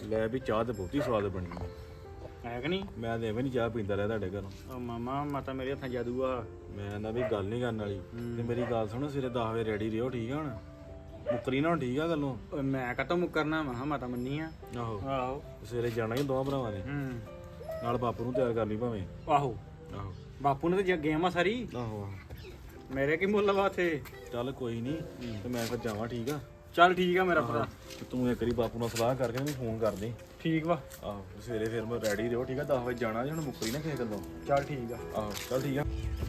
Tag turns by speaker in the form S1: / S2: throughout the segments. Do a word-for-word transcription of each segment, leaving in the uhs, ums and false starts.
S1: ਲੈ ਵੀ ਚਾਹ ਤੇ ਬਹੁਤੀ ਸਵਾਦ ਬਣੀ
S2: ਹੈ ਕਿ ਨਹੀਂ?
S1: ਮੈਂ ਤੇ ਐਵੇਂ ਨਹੀਂ ਚਾਹ ਪੀਂਦਾ ਰਿਹਾ ਤੁਹਾਡੇ ਘਰੋਂ।
S2: ਉਹ ਮਾਮਾ ਮਾਤਾ ਮੇਰੇ ਹੱਥਾਂ ਜਾਦੂ ਆ।
S1: ਮੈਂ ਨਾ ਵੀ ਗੱਲ ਨਹੀਂ ਕਰਨ ਵਾਲੀ ਤੇ ਮੇਰੀ ਗੱਲ ਸੁਣੋ, ਸਵੇਰੇ ਦਸ ਵਜੇ ਰੈਡੀ ਰਿਓ, ਠੀਕ ਆ? ਹੁਣ ਮੁੱਕਰੀ ਨਾ ਹੁਣ, ਠੀਕ ਆ ਗੱਲੋਂ?
S2: ਓਏ ਮੈਂ ਕਦੋਂ ਮੁੱਕਰਨਾ ਵਾ, ਮਾਤਾ ਮੰਨੀ ਆ।
S1: ਆਹੋ
S2: ਆਹੋ
S1: ਸਵੇਰੇ ਜਾਣਾ ਹੀ ਦੋਵਾਂ ਭਰਾਵਾਂ ਨੇ,
S2: ਹੂੰ
S1: ਨਾਲ ਬਾਪੂ ਨੂੰ ਤਿਆਰ ਕਰ ਲਈ ਭਾਵੇਂ।
S2: ਆਹੋ
S1: ਆਹੋ
S2: ਬਾਪੂ ਨੇ ਤੇ ਗੇਮ ਆ ਸਾਰੀ,
S1: ਆਹੋ
S2: ਮੇਰੇ ਕੀ ਮੁੱਲ ਵਾ ਇੱਥੇ।
S1: ਚੱਲ ਕੋਈ ਨਹੀਂ, ਤੇ ਮੈਂ ਫਿਰ ਜਾਵਾਂ, ਠੀਕ ਆ?
S2: ਚੱਲ ਠੀਕ ਆ ਮੇਰਾ ਭਰਾ।
S1: ਤੇ ਤੂੰ ਇੱਕ ਵਾਰੀ ਬਾਪੂ ਨਾਲ ਸਲਾਹ ਕਰਕੇ ਮੈਨੂੰ ਫੋਨ ਕਰ ਦੇ।
S2: ਠੀਕ ਵਾ।
S1: ਆਹੋ ਸਵੇਰੇ ਫਿਰ ਮੈਂ ਰੈਡੀ ਰਿਓ, ਠੀਕ ਆ? ਦਸ ਵਜੇ ਜਾਣਾ ਜੀ, ਹੁਣ ਮੁੱਕਰੀ ਨਾ ਕਿਸੇ ਗੱਲੋਂ।
S2: ਚੱਲ ਠੀਕ ਆ।
S1: ਆਹੋ ਚੱਲ ਠੀਕ ਆ।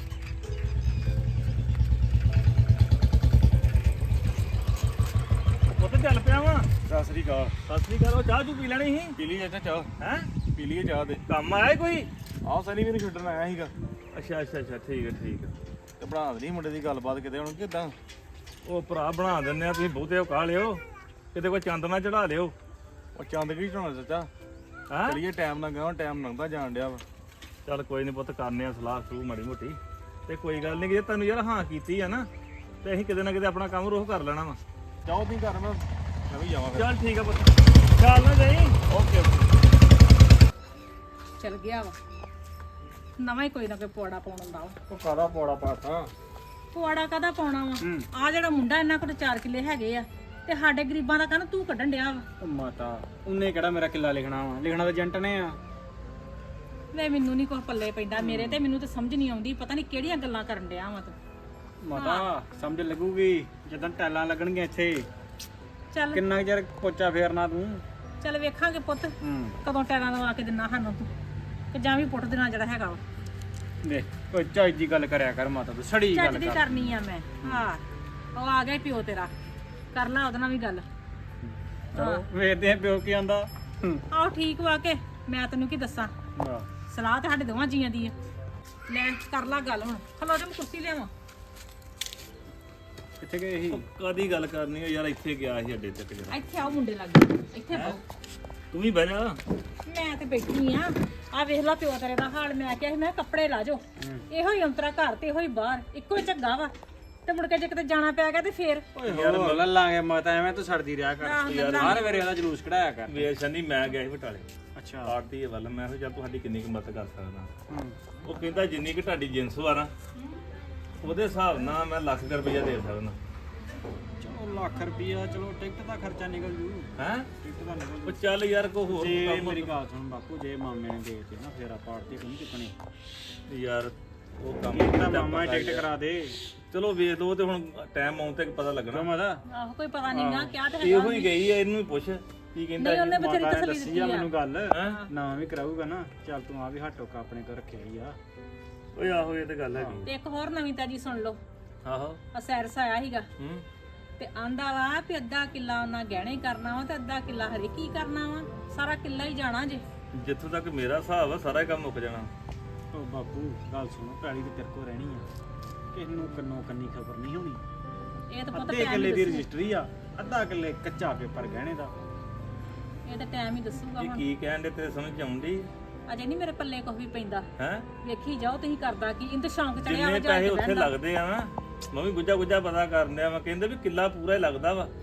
S2: ਉੱਥੇ ਚੱਲ ਪਿਆ ਵਾ।
S1: ਸਤਿ ਸ੍ਰੀ ਅਕਾਲ।
S2: ਸਤਿ ਸ੍ਰੀ ਅਕਾਲ। ਉਹ ਚਾਹ ਚੂ ਪੀ ਲੈਣੀ ਸੀ।
S1: ਪੀ ਲਈ ਚਾਹ?
S2: ਹੈ
S1: ਪੀ ਲਈਏ ਚਾਹ ਤੇ।
S2: ਕੰਮ ਆਇਆ ਕੋਈ?
S1: ਆਹ ਸਨੀ ਮੈਨੂੰ ਛੱਡਣ ਆਇਆ ਸੀਗਾ।
S2: ਅੱਛਾ ਅੱਛਾ ਅੱਛਾ ਠੀਕ ਹੈ ਠੀਕ ਹੈ।
S1: ਤੇ ਬਣਾ ਦੇਣੀ ਮੁੰਡੇ ਦੀ ਗੱਲਬਾਤ ਕਿਤੇ ਹੁਣ, ਕਿਦਾਂ?
S2: ਉਹ ਭਰਾ ਬਣਾ ਦਿੰਦੇ ਆ, ਤੁਸੀਂ ਬਹੁਤੇ ਉਹ ਕਾ ਲਿਓ, ਕਿਤੇ ਕੋਈ ਚੰਦ ਨਾ ਚੜਾ ਲਿਓ।
S1: ਉਹ ਚੰਦ ਕੀ ਚੜਾਉਣਾ ਚਾਚਾ?
S2: ਹਾਂ
S1: ਚਲੀਏ, ਟਾਈਮ ਨਾ ਗਾਂ, ਟਾਈਮ ਲੰਘਦਾ ਜਾਣ ਡਿਆ ਵਾ।
S2: ਚੱਲ ਕੋਈ ਨਹੀਂ ਪੁੱਤ, ਕਰਨੇ ਆ ਸਲਾਹ ਸੂ ਮਾੜੀ ਮੋਟੀ, ਤੇ ਕੋਈ ਗੱਲ ਨਹੀਂ, ਜੇ ਤੈਨੂੰ ਯਾਰ ਹਾਂ ਕੀਤੀ ਆ ਨਾ, ਤੇ ਅਸੀਂ ਕਿਤੇ ਨਾ ਕਿਤੇ ਆਪਣਾ ਕੰਮ ਰੋਹ ਕਰ ਲੈਣਾ ਵਾ।
S1: ਚਾਹੋ ਤੁਸੀਂ ਘਰ, ਮੈਂ ਮੈਂ ਵੀ ਜਾਵਾਂ ਫਿਰ।
S2: ਚੱਲ ਠੀਕ ਆ ਪੁੱਤ, ਚੱਲ ਨਾ ਜਾਈ।
S1: Okay okay.
S3: ਚਲ ਗਿਆ ਵਾ, ਨਵਾਂ ਹੀ ਕੋਈ ਨਾ ਕੋਈ ਪੌੜਾ ਪਾਉਣ ਹੁੰਦਾ ਵਾ।
S2: ਉਹ ਕਾਦਾ ਪੌੜਾ ਪਾਤਾ?
S3: ਪੌੜਾ ਕਾਹਦਾ ਪਾਉਣਾ ਵਾ?
S2: ਹੂੰ।
S3: ਆ ਜਿਹੜਾ ਮੁੰਡਾ ਇਹਨਾਂ ਕੋਲ ਚਾਰ ਕਿੱਲੇ ਹੈਗੇ ਆ, ਤੇ ਸਾਡੇ ਗਰੀਬਾਂ ਦਾ ਕਹਿੰਦਾ ਤੂੰ ਕੱਢਣ ਡਿਆ ਵਾ।
S2: ਉਹ ਮਾਤਾ, ਉਹਨੇ ਕਿਹੜਾ ਮੇਰਾ ਕਿੱਲਾ ਲਿਖਣਾ ਵਾ? ਲਿਖਣਾ ਤਾਂ ਏਜੰਟ ਨੇ ਆ।
S3: ਵੇ ਮੈਨੂੰ ਨਹੀਂ ਕੁਛ ਪੱਲੇ ਪੈਂਦਾ ਮੇਰੇ ਤੇ, ਮੈਨੂੰ ਤੇ ਸਮਝ ਨਹੀਂ ਆਉਂਦੀ, ਪਤਾ ਨਹੀਂ ਕਿਹੜੀਆਂ ਗੱਲਾਂ ਕਰਨ ਡਿਆ ਵਾ ਤੂੰ।
S2: ਮਾਤਾ ਸਮਝ ਲੱਗੂਗੀ ਜਦੋਂ ਟੈਲਾਂ ਲੱਗਣਗੀਆਂ ਇੱਥੇ।
S3: ਚੱਲ
S2: ਕਿੰਨਾ ਕੁ ਚਿਰ ਪੋਚਾ ਫੇਰਨਾ ਤੂੰ?
S3: ਚੱਲ ਵੇਖਾਂਗੇ ਪੁੱਤ,
S2: ਹੂੰ
S3: ਕਦੋਂ ਟੈਰਾਂ ਲਵਾ ਕੇ ਦਿਨਾ ਸਾਨੂੰ ਤੂੰ, ਕਿ ਜਾਂ ਵੀ ਪੁੱਟ ਦੇਣਾ ਜਿਹੜਾ ਹੈਗਾ ਵਾ।
S2: ਦੇ ਓਏ ਚੱਜ ਦੀ ਗੱਲ ਕਰਿਆ ਕਰ ਮਾਤਾ, ਤੂੰ ਸੜੀ
S3: ਚੱਜ
S2: ਗੱਲ
S3: ਦੀ
S2: ਕਰ।
S3: ਕਰਨੀ ਆ ਮੈਂ। ਹਾਂ ਉਹ ਆ ਗਿਆ ਈ ਪਿਓ ਤੇਰਾ, ਕਰ ਲਾ ਉਹਦੇ ਨਾਲ ਵੀ ਗੱਲ।
S2: ਚਲੋ ਵੇਖਦੇ ਆ ਪਿਓ ਕੀ ਆਂਦਾ।
S3: ਆਹੋ ਠੀਕ ਵਾ ਕੇ, ਮੈਂ ਤੈਨੂੰ ਕੀ ਦੱਸਾਂ,
S2: ਹਾਂ
S3: ਸਲਾਹ ਤੇ ਸਾਡੇ ਦੋਵਾਂ ਜੀਆਂ ਦੀ ਆ। ਲੈ ਕਰ ਲਾ ਗੱਲ ਹੁਣ, ਖਲੋ ਜਾ ਮੈਂ ਕੁਰਸੀ ਲਿਆਵਾਂ।
S2: ਕਿੱਥੇ ਗਏ ਸੀ?
S1: ਕਾਦੀ ਗੱਲ ਕਰਨੀ ਆ ਯਾਰ, ਇੱਥੇ ਗਿਆ ਸੀ ਅੱਡੇ ਤੱਕ ਜਰਾ।
S3: ਇੱਥੇ ਆਓ ਮੁੰਡੇ ਲੱਗੇ, ਇੱਥੇ ਪਾਓ।
S1: ਤੂੰ ਵੀ ਬਹਿ ਜਾ।
S3: ਮੈਂ ਤੇ ਬੈਠੀ ਆ, ਆ ਵੇਖ ਲਾ ਪਿਓ ਤੇਰੇ ਦਾ ਹਾਲ। ਮੈਂ ਕਿਹਾ ਸੀ ਮੈਂ ਕਿਹਾ ਕੱਪੜੇ ਲਾ ਜਾਓ, ਇਹੋ ਹੀ ਅੰਤਰਾ ਘਰ ਤੇ ਇਹੋ ਹੀ ਬਾਹਰ, ਇੱਕੋ ਹੀ ਝੱਗਾ ਵਾ, ਤੇ ਮੁੜ ਕੇ ਜੇ ਕਿਤੇ ਜਾਣਾ ਪਿਆ ਗਿਆ ਤੇ ਫੇਰ।
S2: ਓਏ ਯਾਰ ਲੈ ਲਾਂਗੇ ਮਾਤਾ, ਐਵੇਂ ਤੂੰ ਸੜਦੀ ਰਿਹਾ ਕਰ ਯਾਰ। ਹਰ ਵੇਰੇ ਉਹਦਾ ਜਲੂਸ ਕਢਾਇਆ ਕਰ।
S1: ਵੇ ਸ਼ਨੀ, ਮੈਂ ਗਿਆ ਸੀ ਬਟਾਲੇ
S2: ਅੱਛਾ।
S1: ਆਰਤੀ ਵੱਲ। ਮੈਂ ਕਿਹਾ ਚੱਲ ਤੁਹਾਡੀ ਕਿੰਨੀ ਕੁ ਮਦਦ ਕਰ ਸਕਦਾ।
S2: ਹੂੰ
S1: ਉਹ ਕਹਿੰਦਾ ਜਿੰਨੀ ਕਿ ਤੁਹਾਡੀ ਜਿੰਸ ਵਾ ਨਾ, ਉਹਦੇ ਹਿਸਾਬ ਨਾਲ ਮੈਂ ਲੱਖ ਰੁਪਈਆ ਦੇ ਸਕਦਾ।
S2: ਚਲੋ ਲੱਖ ਰੁਪਈਆ, ਚਲੋ ਟਿਕਟ ਦਾ ਖਰਚਾ ਨਿਕਲ ਜੂ।
S1: ਹੈਂ?
S2: ਟਿਕਟ ਦਾ ਨਿਕਲ
S1: ਉਹ ਚੱਲ ਯਾਰ ਕੋ ਹੋਰ
S2: ਜੇ
S1: ਕੰਮ।
S2: ਮੇਰੀ ਗੱਲ ਸੁਣ ਬਾਪੂ, ਜੇ ਮਾਮੇ ਨੇ ਦੇ ਦਿੱਤੇ ਨਾ ਫੇਰ ਆਪਾਂ ਆੜਤੀ ਕੋਈ ਚੁੱਕਣੀ।
S1: ਯਾਰ ਉਹ ਕੰਮ
S2: ਤਾਂ ਮਾਮਾ ਹੀ ਟਿਕਟ ਕਰਾ ਦੇ।
S1: ਚਲੋ ਵੇਖ ਲਓ, ਤੇ ਹੁਣ ਟਾਈਮ ਆਉਣ ਤੇ ਪਤਾ ਲੱਗਣਾ।
S2: ਕਿਉਂ ਮਾਤਾ?
S3: ਆਹੋ ਕੋਈ ਪਤਾ ਨਹੀਂ ਨਾ ਕਿਆ ਤੇ
S1: ਇਹੋ
S3: ਹੈਗਾ।
S1: ਹੀ ਗਈ ਆ, ਇਹਨੂੰ ਹੀ ਪੁੱਛ ਕੀ ਕਹਿੰਦਾ
S3: ਨਹੀਂ ਉਹਨੇ ਬਥੇਰੀ
S2: ਮਾਤਾ ਨੇ
S3: ਤਸਲੀ
S2: ਦੱਸੀ
S3: ਦਿੱਤੀ
S2: ਆ
S3: ਆ।
S2: ਮੈਨੂੰ ਗੱਲ।
S1: ਹੈਂ?
S2: ਨਾ ਵੀ ਕਰਾਊਗਾ ਨਾ, ਚੱਲ ਤੂੰ ਆ ਵੀ ਹੱਟੋਕਾ ਆਪਣੇ ਤੋਂ ਰੱਖਿਆ ਹੀ ਆ।
S1: ਓਏ ਆਹੋ, ਇਹ ਤੇ ਗੱਲ ਹੈਗੀ।
S3: ਤੇ ਇੱਕ ਹੋਰ ਨਵੀਂ ਤਾਜੀ ਸੁਣ ਲਓ।
S1: ਆਹੋ।
S3: ਆ ਸੈਰਸ ਆਇਆ ਸੀਗਾ,
S1: ਹੂੰ।
S3: ਤੇ ਆਂਦਾ ਵਾ ਵੀ ਅੱਧਾ ਕਿੱਲਾ ਉਹਨਾਂ ਗਹਿਣੇ ਕਰਨਾ ਵਾ, ਤੇ ਅੱਧਾ ਕਿੱਲਾ ਹਰੇ ਕੀ ਕਰਨਾ ਵਾ, ਸਾਰਾ ਕਿੱਲਾ ਹੀ ਜਾਣਾ ਜੇ।
S1: ਜਿੱਥੋਂ ਤੱਕ ਮੇਰਾ ਹਿਸਾਬ ਆ, ਸਾਰਾ ਹੀ ਕੰਮ ਮੁੱਕ ਜਾਣਾ।
S2: ਓ ਬਾਪੂ ਗੱਲ ਸੁਣੋ, ਪੈਲੀ ਤੇ ਤੇਰੇ ਕੋਲ ਰਹਿਣੀ ਆ, ਕਿਸੇ ਨੂੰ ਕੰਨੋਂ ਕੰਨੀ ਖਬਰ ਨਹੀਂ ਹੋਣੀ।
S3: ਇਹ ਤਾਂ ਪਤਾ
S2: ਅੱਧੇ
S3: ਟਾਈਮ
S2: ਕਿੱਲੇ
S3: ਹੀ
S2: ਦੀ
S3: ਦੱਸੂ,
S2: ਰਜਿਸਟਰੀ ਆ, ਅੱਧਾ ਕਿੱਲੇ ਕੱਚਾ ਪੇਪਰ ਗਹਿਣੇ ਦਾ।
S3: ਇਹ ਤਾਂ ਟਾਈਮ ਹੀ ਦੱਸੂਗਾ
S1: ਇਹ
S3: ਹੁਣ।
S1: ਕੀ ਕਹਿਣ ਦੇ ਤੇਰੇ ਸਮਝ ਆਉਂਦੀ
S3: ਅਜੇ ਨਹੀਂ ਮੇਰੇ ਪੱਲੇ ਕੁਝ ਵੀ ਪੈਂਦਾ,
S1: ਹੈ?
S3: ਵੇਖੀ ਜਾਓ ਤੁਸੀਂ ਕਰਦਾ ਕੀ। ਇਹਨੂੰ ਤਾਂ ਸ਼ੌਂਕ ਚੜਿਆ ਵਾ
S1: ਜਿੰਨੇ
S3: ਜਾ
S1: ਪੈਸੇ
S3: ਕੇ
S1: ਉੱਥੇ
S3: ਬਹਿਣ ਦਾ।
S1: ਲੱਗਦੇ ਆ ਨਾ, ਮੈਂ ਵੀ ਗੁੱਜਾ ਗੁੱਜਾ ਪਤਾ ਕਰਨ ਡਿਆ ਵਾ। ਕਹਿੰਦੇ ਵੀ ਕਿੱਲਾ ਪੂਰਾ ਹੀ ਲੱਗਦਾ ਵਾ।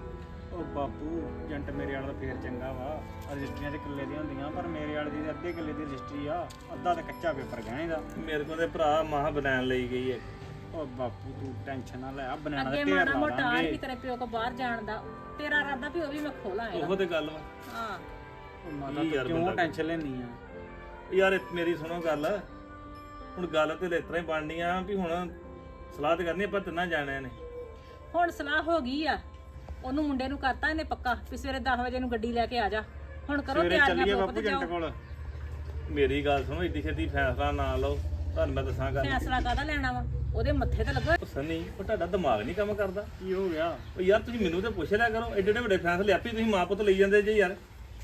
S2: ਓ ਬਾਪੂ ਏਜੰਟ ਮੇਰੇ ਵਾਲਾ ਤਾਂ ਫੇਰ ਚੰਗਾ ਵਾ, ਰਜਿਸਟਰੀਆਂ ਤੇ ਕਿੱਲੇ ਦੀਆਂ ਹੁੰਦੀਆਂ, ਪਰ ਮੇਰੇ ਵਾਲੇ ਦੀ ਅੱਧੇ ਕਿੱਲੇ ਦੀ ਰਜਿਸਟਰੀ ਆ, ਅੱਧਾ ਤੇ ਕੱਚਾ ਪੇਪਰ ਗਹਿਣੇ ਦਾ।
S1: ਮੇਰੇ ਕੋਲ ਤੇ ਭਰਾ ਮਾਹ ਬਣਾਉਣ ਲਈ ਗਈ ਹੈ।
S2: ਓ ਬਾਪੂ ਤੂੰ ਟੈਨਸ਼ਨ ਨਾ ਲੈ, ਆ ਬਣਾਣਾ
S3: ਅੱਗੇ
S2: ਤੇ ਢੇਰ
S3: ਮਾੜਾ
S2: ਲਾ
S3: ਮੋਟਾ ਆ
S2: ਦਾਂਗੇ।
S3: ਵੀ ਤੇਰੇ ਪਿਓ ਕੋ ਬਾਹਰ ਜਾਣ ਦਾ, ਤੇਰਾ ਇਰਾਦਾ ਵੀ ਉਹ ਵੀ ਮੈਂ ਖੋਲਾਂ ਇਹਦਾ।
S1: ਉਹੋ ਤੇ ਗੱਲ ਵਾ।
S3: ਹਾਂ
S2: ਓ ਮਾਤਾ
S1: ਕੀ
S2: ਤੂੰ
S1: ਯਾਰ
S2: ਕਿਉਂ
S1: ਬੰਦਾ-
S2: ਟੈਨਸ਼ਨ ਲੈਣੀ ਆ?
S1: ਯਾਰ ਇਹ ਮੇਰੀ ਸੁਣੋ ਗੱਲ, ਹੁਣ ਗੱਲ ਤੇ ਇਸ ਤਰ੍ਹਾਂ ਹੀ ਬਣਨੀ ਆ ਵੀ ਹੁਣ ਸਲਾਹ ਤੇ ਕਰਨੀ ਆਪਾਂ ਤਿੰਨਾਂ ਜਾਣਿਆਂ ਨੇ।
S3: ਹੁਣ ਸਲਾਹ ਹੋ ਗਈ ਆ, ਉਹਨੂੰ ਮੁੰਡੇ ਨੂੰ ਕਰਤਾ ਇਹਨੇ ਪੱਕਾ ਵੀ ਸਵੇਰੇ ਦਸ ਵਜੇ ਨੂੰ ਗੱਡੀ ਲੈ ਕੇ ਆ ਜਾ। ਹੁਣ ਕਰੋ
S2: ਸਵੇਰੇ
S3: ਤਿਆਰੀਆਂ
S2: ਚੱਲੀਏ
S3: ਬੁੱਕ
S2: ਬਾਪੂ
S3: ਤੇ
S2: ਏਜੰਟ
S3: ਜਾਓ।
S2: ਕੋਲ।
S1: ਮੇਰੀ ਗੱਲ ਸੁਣੋ, ਏਡੀ ਛੇਤੀ ਫੈਸਲਾ ਨਾ ਲਓ, ਤੁਹਾਨੂੰ ਮੈਂ ਦੱਸਾਂ ਗੱਲ।
S3: ਫੈਸਲਾ ਕਾਹਦਾ ਲੈਣਾ ਵਾ, ਉਹਦੇ ਮੱਥੇ ਤੇ ਲੱਗੋ।
S1: ਉਹ ਸਨੀ, ਉਹ ਤੁਹਾਡਾ ਦਿਮਾਗ ਨਹੀਂ ਕੰਮ ਕਰਦਾ।
S2: ਕੀ ਹੋ ਗਿਆ?
S1: ਉਹ ਯਾਰ ਤੁਸੀਂ ਮੈਨੂੰ ਤੇ ਪੁੱਛ ਲਿਆ ਕਰੋ, ਐਡੇ ਐਡੇ ਵੱਡੇ ਫੈਸਲੇ ਆਪੇ ਤੁਸੀਂ ਮਾਂ ਪੁੱਤ ਲਈ ਜਾਂਦੇ ਜੇ ਯਾਰ।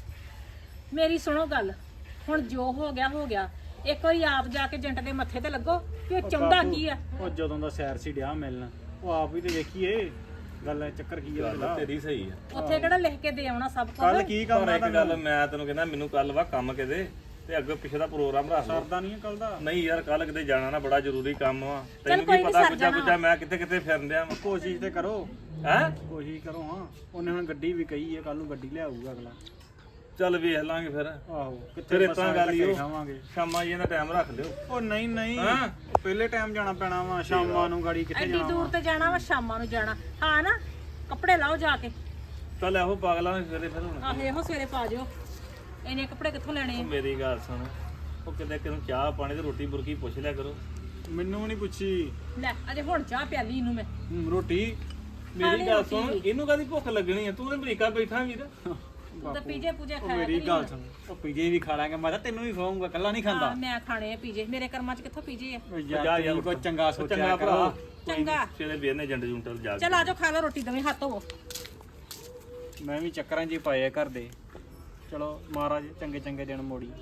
S3: ਮੇਰੀ ਸੁਣੋ ਗੱਲ, ਹੁਣ ਜੋ ਹੋ ਗਿਆ ਹੋ ਗਿਆ। ਇੱਕ ਵਾਰੀ ਆਪ ਜਾ ਕੇ ਏਜੰਟ ਦੇ ਮੱਥੇ ਤੇ ਲੱਗੋ ਕਿ ਉਹ ਚਾਹੁੰਦਾ
S2: ਬਾਪੂ,
S3: ਕੀ ਆ।
S2: ਉਹ ਜਦੋਂ ਦਾ ਸੈਰ ਸੀ ਡਿਆ ਮਿਲਣ, ਉਹ ਆਪ ਵੀ ਤੇ ਵੇਖੀਏ ਗੱਲ ਹੈ, ਚੱਕਰ ਕੀ ਹੈ
S1: ਗੱਲ ਤੇਰੀ ਸਹੀ ਆ।
S3: ਉੱਥੇ ਕਿਹੜਾ ਲਿਖ ਕੇ ਦੇ ਆਉਣਾ ਸਭ
S2: ਕੱਲ
S3: ਕੁਝ।
S2: ਕੀ
S1: ਪਰ
S2: ਕੰਮ
S1: ਇੱਕ ਗੱਲ ਮੈਂ ਤੈਨੂੰ ਕਹਿੰਦਾ, ਮੈਨੂੰ ਕੱਲ ਵਾ ਕੰਮ ਕਿਤੇ, ਤੇ ਅੱਗੇ ਪਿੱਛੇ ਦਾ ਪ੍ਰੋਗਰਾਮ ਰੱਖ ਲਓ।
S2: ਸਰਦਾ ਨਹੀਂ ਕੱਲ ਦਾ।
S1: ਨਹੀਂ ਯਾਰ, ਕੱਲ ਕਿਤੇ ਜਾਣਾ ਨਾ, ਬੜਾ ਜ਼ਰੂਰੀ ਕੰਮ ਆ। ਤੈਨੂੰ
S3: ਕੋਈ
S1: ਕੀ
S3: ਨੀ,
S1: ਪਤਾ,
S3: ਸਰ
S1: ਗੁੱਜਾ
S3: ਜਾਣਾ।
S1: ਗੁੱਜਾ ਮੈਂ ਕਿੱਥੇ ਕਿੱਥੇ ਫਿਰਨ ਡਿਆ ਵਾਂ।
S2: ਕੋਸ਼ਿਸ਼ ਤੇ ਕਰੋ,
S1: ਹੈਂ?
S2: ਕੋਸ਼ਿਸ਼ ਕਰੋ। ਹਾਂ ਉਹਨੇ ਹੁਣ ਗੱਡੀ ਵੀ ਕਹੀ ਹੈ, ਕੱਲ ਨੂੰ ਗੱਡੀ ਲਿਆਊਗਾ ਅਗਲਾ।
S1: ਚੱਲ ਵੇਖ ਲਾਂਗੇ ਫਿਰ
S2: ਆਹੋ
S1: ਫਿਰ
S2: ਕਿੱਥੇ
S1: ਇਸ ਤਰ੍ਹਾਂ ਗੱਲ ਹੀ ਉਹ
S2: ਖਾਵਾਂਗੇ
S1: ਸ਼ਾਮਾਂ ਜੀ ਦਾ ਟਾਈਮ ਰੱਖ ਲਿਓ
S2: ਉਹ ਨਹੀਂ ਨਹੀਂ
S1: ਹਾਂ।
S2: ਉਹ ਪਹਿਲੇ ਟਾਈਮ ਜਾਣਾ ਪੈਣਾ ਵਾ ਸ਼ਾਮਾਂ ਨੂੰ ਗਾੜੀ ਕਿੱਥੇ
S3: ਐਡੀ
S2: ਜਾਣਾ
S3: ਦੂਰ
S2: ਵਾ
S3: ਤੇ ਜਾਣਾ ਵਾ ਸ਼ਾਮਾਂ ਨੂੰ ਜਾਣਾ ਹਾਂ ਨਾ ਕੱਪੜੇ ਲਾਓ ਜਾ ਕੇ
S1: ਚੱਲ ਇਹੋ ਪਾਗਲਾਂ ਨੇ ਸਵੇਰੇ ਫਿਰ ਹੁਣ
S3: ਆਹ ਇਹੋ ਸਵੇਰੇ ਪਾ ਜਿਓ ਇਹਨੇ ਕੱਪੜੇ ਕਿੱਥੋਂ ਲੈਣੇ
S1: ਉਹ
S3: ਆ?
S1: ਮੇਰੀ ਗੱਲ ਸੁਣ ਉਹ ਕਿਤੇ ਕਿਨੂੰ ਚਾਹ ਪਾਣੀ ਤੇ ਰੋਟੀ ਬੁਰਕੀ ਪੁੱਛ ਲਿਆ ਕਰੋ
S2: ਮੈਨੂੰ ਵੀ ਨਹੀਂ ਪੁੱਛੀ
S3: ਲੈ ਅਜੇ ਹੁਣ ਚਾਹ ਪਿਆਲੀ ਇਹਨੂੰ ਮੈਂ
S2: ਹੂੰ, ਰੋਟੀ
S1: ਮੇਰੀ ਗੱਲ ਸੁਣ ਇਹਨੂੰ ਕਾਦੀ ਭੁੱਖ ਲੱਗਣੀ ਆ ਤੂੰ ਤੇ ਅਮਰੀਕਾ ਬੈਠਾ ਵੀਰ
S3: ਤੂੰ ਤਾਂ ਪੀਜੇ ਪੂਜੇ
S2: ਉਹ
S3: ਖਾਇਆ
S2: ਮੇਰੀ
S3: ਕਰੀ
S2: ਗੱਲ
S3: ਹੁਣ।
S2: ਸੁਣ ਉਹ ਪੀਜੇ ਵੀ ਖਾ ਲਾਂਗੇ ਮੈਂ ਤਾਂ ਤੈਨੂੰ ਵੀ ਖਵਾਉਂਗਾ ਕੱਲਾ ਨਹੀਂ ਖਾਂਦਾ
S3: ਹਾਂ, ਮੈਂ ਖਾਣੇ ਆ ਪੀਜੇ ਮੇਰੇ ਕਰਮਾਂ 'ਚ ਕਿੱਥੋਂ ਪੀਜੇ ਆ
S2: ਉਹ
S1: ਜਾ
S2: ਯਾਰ
S1: ਯਾਰ
S2: ਤੂੰ ਕੋਈ ਚੰਗਾ ਸੋਚਿਆ
S1: ਚੰਗਾ
S2: ਕਰ
S1: ਭਰਾ
S3: ਚੰਗਾ।
S1: ਸਵੇਰੇ ਵੀਰ ਨੇ ਜੰਡ ਜੁੰਟਲ ਜਾ ਕੇ
S3: ਚਲ ਆਜੋ ਖਾ ਲਓ ਰੋਟੀ ਦਵੇਂ ਹੱਥ ਹੋਵੋ
S2: ਮੈਂ ਵੀ ਚੱਕਰਾਂ 'ਚ ਹੀ ਪਾਏ ਆ ਘਰ ਦੇ ਚਲੋ ਮਹਾਰਾਜ ਚੰਗੇ ਚੰਗੇ ਦਿਨ ਮੋੜੀ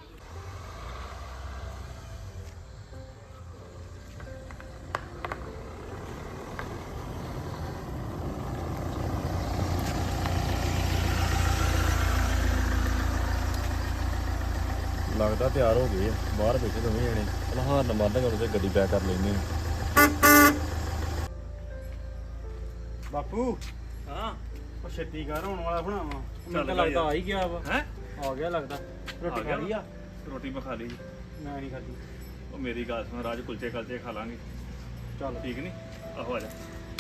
S4: ਲੱਗਦਾ ਤਿਆਰ ਹੋ ਗਏ ਆ ਬਾਹਰ ਬੈਠੇ ਦੋਵੇਂ ਜਣੇ ਚਲ ਹਾਂ ਨੰਬਰ ਦਾ ਤੇ ਗੱਡੀ ਪੈਕ ਕਰ ਲੈਂਦੇ ਆ
S2: ਬਾਪੂ
S1: ਹਾਂ
S2: ਉਹ ਛੇਤੀ ਕਰ ਹੋਣ ਵਾਲਾ ਬਣਾਵਾ ਮੈਨੂੰ
S1: ਚੱਲ
S2: ਤਾਂ
S1: ਗਾ
S2: ਲੱਗਦਾ
S1: ਯਾਰ।
S2: ਆ ਹੀ ਗਿਆ ਵਾ
S1: ਹੈ
S2: ਆ ਗਿਆ ਲੱਗਦਾ ਰੋਟੀ ਖਾ ਲਈ ਆ
S1: ਰੋਟੀ ਮੈਂ ਖਾ ਲਈ
S2: ਮੈਂ ਨਹੀਂ ਖਾਧੀ
S1: ਉਹ ਮੇਰੀ ਗੱਲ ਸੁਣ ਰਾਜ ਕੁਲਚੇ ਕਲਚੇ ਖਾ ਲਾਂਗੇ
S2: ਚੱਲ
S1: ਠੀਕ ਨਹੀਂ ਆਹੋ ਆ ਜਾ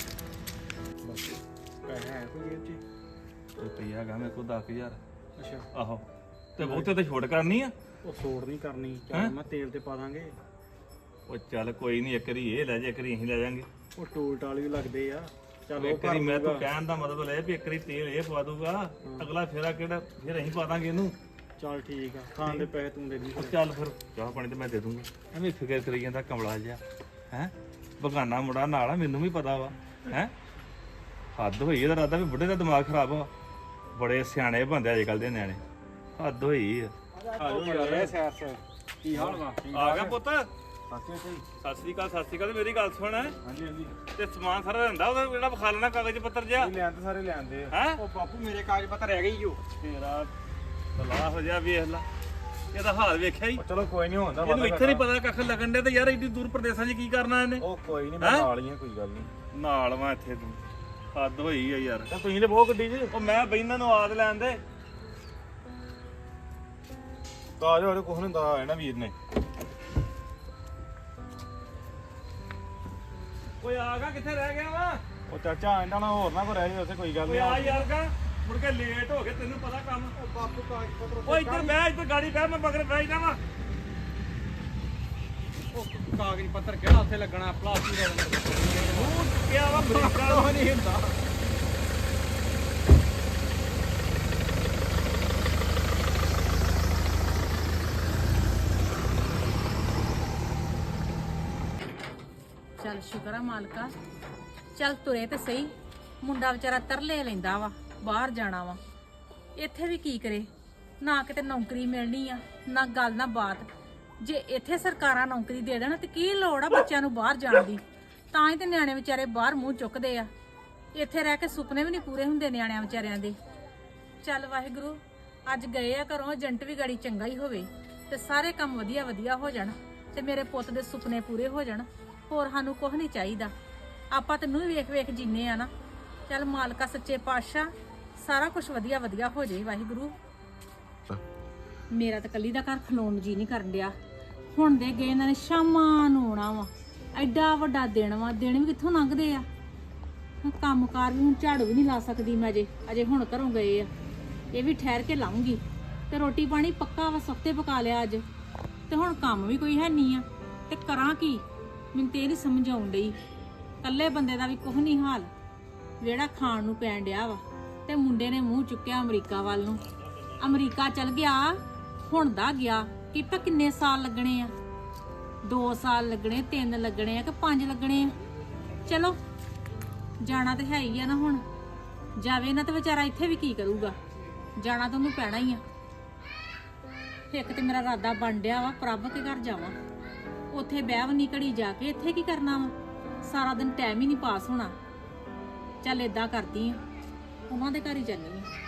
S2: ਪੈਸੇ ਹੈ ਕੋਈ ਜੇਬ 'ਚ
S1: ਰੁਪਈਆ ਹੈਗਾ ਮੇਰੇ ਕੋਲ ਦਸ ਹਜ਼ਾਰ
S2: ਅੱਛਾ
S1: ਆਹੋ ਤੇ ਬਹੁਤੇ ਤੇ ਛੋਟ ਕਰਨੀ ਆ
S2: ਉਹ ਸੋੜ ਨਹੀਂ ਕਰਨੀ
S1: ਹੈਂ?
S2: ਚੱਲ ਮੈਂ ਤੇਲ ਤੇ ਪਾ ਦਾਂਗੇ
S1: ਉਹ ਚੱਲ ਕੋਈ ਨਹੀਂ ਇੱਕ ਵਾਰੀ ਇਹ ਲੈ ਜਾ ਇੱਕ ਵਾਰੀ ਅਸੀਂ ਲੈ ਜਾਾਂਗੇ
S2: ਉਹ ਟੋਲ ਟਾਲ ਵੀ ਲੱਗਦੇ ਆ ਚੱਲ ਉਹ
S1: ਇੱਕ ਵਾਰੀ
S2: ਕਰ
S1: ਮੈਂ ਤੂੰ
S2: ਲੂਗਾ।
S1: ਕਹਿਣ ਦਾ ਮਤਲਬ ਇਹ ਵੀ ਇੱਕ ਵਾਰੀ ਤੇਲ ਇਹ ਪਵਾ ਦੂਗਾ ਅਗਲਾ ਫੇਰਾ ਕਿਹੜਾ ਫਿਰ ਅਸੀਂ ਪਾ ਦਾਂਗੇ ਇਹਨੂੰ
S2: ਚੱਲ ਠੀਕ ਆ ਖਾਣ ਦੇ ਪੈਸੇ ਤੂੰ ਦੇ ਦੀ
S1: ਉਹ ਚੱਲ ਫਿਰ ਚਾਹ ਪਾਣੀ ਤੇ ਮੈਂ ਦੇ ਦੂੰਗਾ ਐਵੇਂ ਫਿਕਰ ਕਰੀ ਜਾਂਦਾ ਕਮਲਾ ਜਿਹਾ ਹੈ ਬਗਾਨਾ ਮੁੰਡਾ ਨਾਲ ਆ ਮੈਨੂੰ ਵੀ ਪਤਾ ਵਾ ਹੈ ਹੱਦ ਹੋਈ ਇਹਦਾ ਰਾਦਾ ਵੀ ਬੁੱਢੇ ਦਾ ਦਿਮਾਗ ਖਰਾਬ ਆ ਬੜੇ ਸਿਆਣੇ ਬੰਦੇ ਅੱਜ ਕੱਲ ਦੇ ਨਿਆਣੇ ਹੱਦ ਹੋਈ ਆ
S2: ਆਜੋ ਯਾਰ ਸੈਰ ਸੈਰ ਕੀ ਹਾਲ ਵਾ
S1: ਆ ਗਿਆ ਪੁੱਤ
S2: ਸਾਥੀ ਸਹੀ
S1: ਸਤਿ ਸ੍ਰੀ ਅਕਾਲ ਸਤਿ ਸ੍ਰੀ ਅਕਾਲ ਤੇ ਮੇਰੀ ਗੱਲ ਸੁਣ
S2: ਹਾਂਜੀ ਹਾਂਜੀ
S1: ਤੇ ਸਮਾਨ ਸਾਰਾ ਰਹਿੰਦਾ ਉਹਦਾ ਜਿਹੜਾ ਵਿਖਾ ਲੈਣਾ ਕਾਗਜ਼ ਪੱਤਰ ਜਿਹਾ
S2: ਲੈਣ ਤੇ ਸਾਰੇ ਲੈਂਦੇ ਆ
S1: ਹੈ
S2: ਉਹ ਬਾਪੂ ਮੇਰੇ ਕਾਗਜ਼ ਪੱਤਰ ਰਹਿ ਗਈ ਜੋ
S1: ਤੇਰਾ ਤਲਾਹ ਹੋ ਜਾ ਵੇਖ ਲੈ ਇਹਦਾ ਹਾਲ ਵੇਖਿਆ ਹੀ
S2: ਚਲੋ ਕੋਈ ਨਹੀਂ ਹੁੰਦਾ
S1: ਇਹਨੂੰ ਇੱਥੇ ਨਹੀਂ ਪਤਾ ਕੱਖ ਲੱਗਣ ਦੇ ਤੇ ਯਾਰ ਏਡੀ ਦੂਰ ਪ੍ਰਦੇਸ਼ਾਂ 'ਚ ਕੀ ਕਰਨਾ ਇਹਨੇ
S2: ਉਹ ਕੋਈ ਨਹੀਂ
S1: ਮੈਂ ਹੈਂ?
S2: ਨਾਲ ਹੀ ਆ ਕੋਈ ਗੱਲ ਨਹੀਂ
S1: ਨਾਲ ਵਾ ਇੱਥੇ ਤੂੰ ਹੱਦ ਹੋਈ ਆ ਯਾਰ
S2: ਤਾਂ ਤੁਸੀਂ ਤੇ ਬਹੁਤ ਗੱਡੀ 'ਚ
S1: ਉਹ ਮੈਂ ਬੈਨਾਂ ਨੂੰ ਆਦ ਲੈਣ ਦੇ
S2: ਤਾਂ ਜੋ ਕੁਛ ਨਹੀਂ ਦਾ ਨਾ ਵੀਰ ਨੇ
S1: ਓਏ ਆਗਾ ਕਿੱਥੇ ਰਹਿ ਗਿਆ ਵਾ
S2: ਉਹ ਚਾਚਾ ਇਹਨਾਂ ਨਾਲ ਹੋਰ ਨਾ ਕੋ ਰਹਿ ਜਾਏ ਉੱਥੇ ਕੋਈ ਗੱਲ
S1: ਓਏ
S2: ਨਹੀਂ
S1: ਆ ਯਾਰ ਗਾ ਮੁੜ ਕੇ ਲੇਟ ਹੋ ਗਏ ਤੈਨੂੰ ਪਤਾ ਕੰਮ
S2: ਉਹ ਬਾਪੂ ਕਾਗਜ਼ ਪੱਤਰ
S1: ਓਏ ਇੱਧਰ ਬਹਿ ਇੱਧਰ ਗਾੜੀ ਬਹਿ ਮੈਂ ਮਗਰ ਬਹਿ ਜਾਵਾਂ
S2: ਉਹ ਕਾਗਜ਼ ਪੱਤਰ ਕਿਹੜਾ ਉੱਥੇ ਲੱਗਣਾ ਪਲਾਸਟਿਕ ਦਾ
S1: ਮੂੰਹ ਚੁੱਕਿਆ ਵਾ ਅਮਰੀਕਾ
S2: ਉਹ ਨਹੀਂ ਹੁੰਦਾ
S3: ਚੱਲ ਸ਼ੁਕਰ ਆ ਮਾਲਕਾ ਚੱਲ ਤੁਰੇ ਤੇ ਸਹੀ ਮੁੰਡਾ ਵਿਚਾਰਾ ਤਰਲੇ ਲੈਂਦਾ ਵਾ ਬਾਹਰ ਜਾਣਾ ਵਾ ਇੱਥੇ ਵੀ ਕੀ ਕਰੇ ਨਾ ਕਿਤੇ ਨੌਕਰੀ ਮਿਲਣੀ ਆ ਨਾ ਗੱਲ ਨਾ ਬਾਤ ਜੇ ਇੱਥੇ ਸਰਕਾਰਾਂ ਨੌਕਰੀ ਦੇ ਦੇਣ ਤੇ ਕੀ ਲੋੜ ਆ ਬੱਚਿਆਂ ਨੂੰ ਬਾਹਰ ਜਾਣ ਦੀ ਤਾਂ ਹੀ ਤੇ ਨਿਆਣੇ ਵਿਚਾਰੇ ਬਾਹਰ ਮੂੰਹ ਚੁੱਕਦੇ ਆ ਇੱਥੇ ਰਹਿ ਕੇ ਸੁਪਨੇ ਵੀ ਨਹੀਂ ਪੂਰੇ ਹੁੰਦੇ ਨਿਆਣਿਆਂ ਵਿਚਾਰਿਆਂ ਦੇ ਚੱਲ ਵਾਹਿਗੁਰੂ ਅੱਜ ਗਏ ਆ ਘਰੋਂ ਏਜੰਟ ਵੀ ਗਾੜੀ ਚੰਗਾ ਹੀ ਹੋਵੇ ਤੇ ਸਾਰੇ ਕੰਮ ਵਧੀਆ ਵਧੀਆ ਹੋ ਜਾਣ ਤੇ ਮੇਰੇ ਪੁੱਤ ਦੇ ਸੁਪਨੇ ਪੂਰੇ ਹੋ ਜਾਣ ਹੋਰ ਸਾਨੂੰ ਕੁਝ ਨਹੀਂ ਚਾਹੀਦਾ ਆਪਾਂ ਤੈਨੂੰ ਵੀ ਵੇਖ ਵੇਖ ਜੀਨੇ ਆ ਨਾ ਚੱਲ ਮਾਲਕਾ ਸੱਚੇ ਪਾਤਸ਼ਾਹ ਸਾਰਾ ਕੁਝ ਵਧੀਆ ਵਧੀਆ ਹੋ ਜਾਏ ਵਾਹਿਗੁਰੂ ਮੇਰਾ ਤਾਂ ਕੱਲੀ ਦਾ ਘਰ ਖਲੋਣ ਨੂੰ ਜੀ ਨਹੀਂ ਕਰਨ ਡਿਆ ਹੁਣ ਦੇ ਗਏ ਇਹਨਾਂ ਨੇ ਸ਼ਾਮਾਂ ਨੂੰ ਆਉਣਾ ਵਾ ਐਡਾ ਵੱਡਾ ਦਿਨ ਵਾ ਦਿਨ ਵੀ ਕਿੱਥੋਂ ਲੰਘਦੇ ਆ ਹੁਣ ਕੰਮਕਾਰ ਵੀ ਹੁਣ ਝਾੜੂ ਵੀ ਨਹੀਂ ਲਾ ਸਕਦੀ ਮੈਂ ਅਜੇ ਅਜੇ ਹੁਣ ਘਰੋਂ ਗਏ ਆ ਇਹ ਵੀ ਠਹਿਰ ਕੇ ਲਾਉਂਗੀ ਤੇ ਰੋਟੀ ਪਾਣੀ ਪੱਕਾ ਵਾ ਸਖਤੇ ਪਕਾ ਲਿਆ ਅੱਜ ਤੇ ਹੁਣ ਕੰਮ ਵੀ ਕੋਈ ਹੈ ਨਹੀਂ ਆ ਤੇ ਕਰਾਂ ਕੀ ਮੈਨੂੰ ਤੇ ਇਹ ਨਹੀਂ ਸਮਝ ਆਉਣ ਡਈ ਕੱਲੇ ਬੰਦੇ ਦਾ ਵੀ ਕੁਝ ਨਹੀਂ ਹਾਲ ਜਿਹੜਾ ਖਾਣ ਨੂੰ ਪੈਣ ਡਿਆ ਵਾ ਤੇ ਮੁੰਡੇ ਨੇ ਮੂੰਹ ਚੁੱਕਿਆ ਅਮਰੀਕਾ ਵੱਲ ਨੂੰ ਅਮਰੀਕਾ ਚਲ ਗਿਆ ਹੁਣ ਦਾ ਗਿਆ ਕਿ ਤਾਂ ਕਿੰਨੇ ਸਾਲ ਲੱਗਣੇ ਆ ਦੋ ਸਾਲ ਲੱਗਣੇ ਤਿੰਨ ਲੱਗਣੇ ਆ ਕਿ ਪੰਜ ਲੱਗਣੇ ਆ ਚਲੋ ਜਾਣਾ ਤੇ ਹੈ ਹੀ ਆ ਨਾ ਹੁਣ ਜਾਵੇ ਨਾ ਤੇ ਵਿਚਾਰਾ ਇੱਥੇ ਵੀ ਕੀ ਕਰੂਗਾ ਜਾਣਾ ਤਾਂ ਉਹਨੂੰ ਪੈਣਾ ਹੀ ਆ ਇੱਕ ਤੇ ਮੇਰਾ ਇਰਾਦਾ ਬਣ ਡਿਆ ਵਾ ਪ੍ਰਭ ਕੇ ਘਰ ਜਾਵਾਂ ਉੱਥੇ ਬਹਿਵਨੀ ਘੜੀ ਜਾ ਕੇ ਇੱਥੇ ਕੀ ਕਰਨਾ ਵਾ ਸਾਰਾ ਦਿਨ ਟਾਈਮ ਹੀ ਨਹੀਂ ਪਾਸ ਹੋਣਾ ਚੱਲ ਏਦਾਂ ਕਰਦੀ ਆ ਉਹਨਾਂ ਦੇ ਘਰ ਹੀ ਜਾਂਦੀ ਆ